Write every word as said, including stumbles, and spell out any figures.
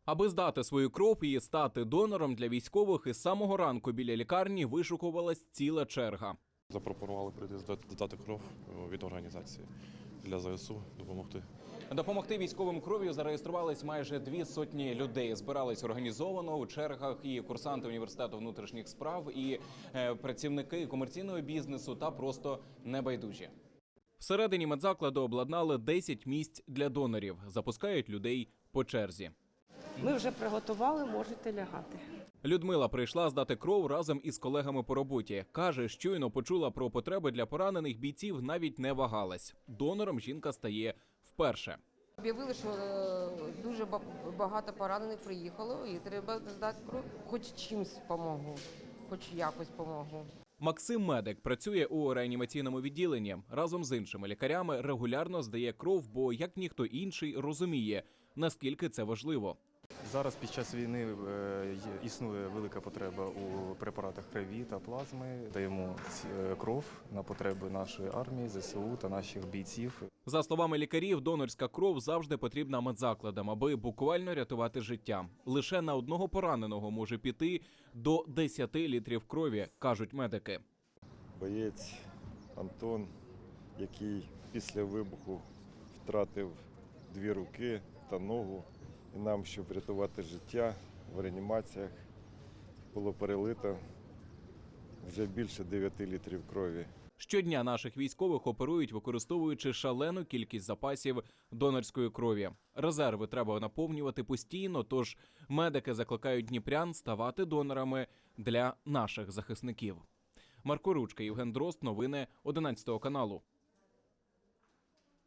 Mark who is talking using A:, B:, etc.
A: Аби здати свою кров і стати донором для військових, із самого ранку біля лікарні вишукувалась ціла черга.
B: Запропонували прийти здати кров від організації для ЗСУ допомогти.
A: Допомогти військовим кров'ю зареєструвались майже дві сотні людей. Збирались організовано у чергах і курсанти університету внутрішніх справ, і е, працівники комерційного бізнесу та просто небайдужі. Всередині медзакладу обладнали десять місць для донорів. Запускають людей по черзі.
C: Ми вже приготували, можете лягати.
A: Людмила прийшла здати кров разом із колегами по роботі. Каже, щойно почула про потреби для поранених бійців, навіть не вагалась. Донором жінка стає вперше.
D: Об'явили, що е, дуже ба- багато поранених приїхало і треба здати кров. Хоч чимсь допомогу, хоч якось допомогу.
A: Максим Медик працює у реанімаційному відділенні. Разом з іншими лікарями регулярно здає кров, бо, як ніхто інший, розуміє, наскільки це важливо.
E: Зараз під час війни е, є- існує велика потреба у препаратах крові та плазми. Даємо ці- кров на потреби нашої армії, ЗСУ та наших бійців.
A: За словами лікарів, донорська кров завжди потрібна медзакладам, аби буквально рятувати життя. Лише на одного пораненого може піти до десяти літрів крові, кажуть медики.
F: Боєць Антон, який після вибуху втратив дві руки та ногу. І нам, щоб врятувати життя, в реанімаціях було перелито вже більше дев'яти літрів крові.
A: Щодня наших військових оперують, використовуючи шалену кількість запасів донорської крові. Резерви треба наповнювати постійно, тож медики закликають дніпрян ставати донорами для наших захисників. Марко Ручка, Євген Дрозд, новини одинадцятого каналу.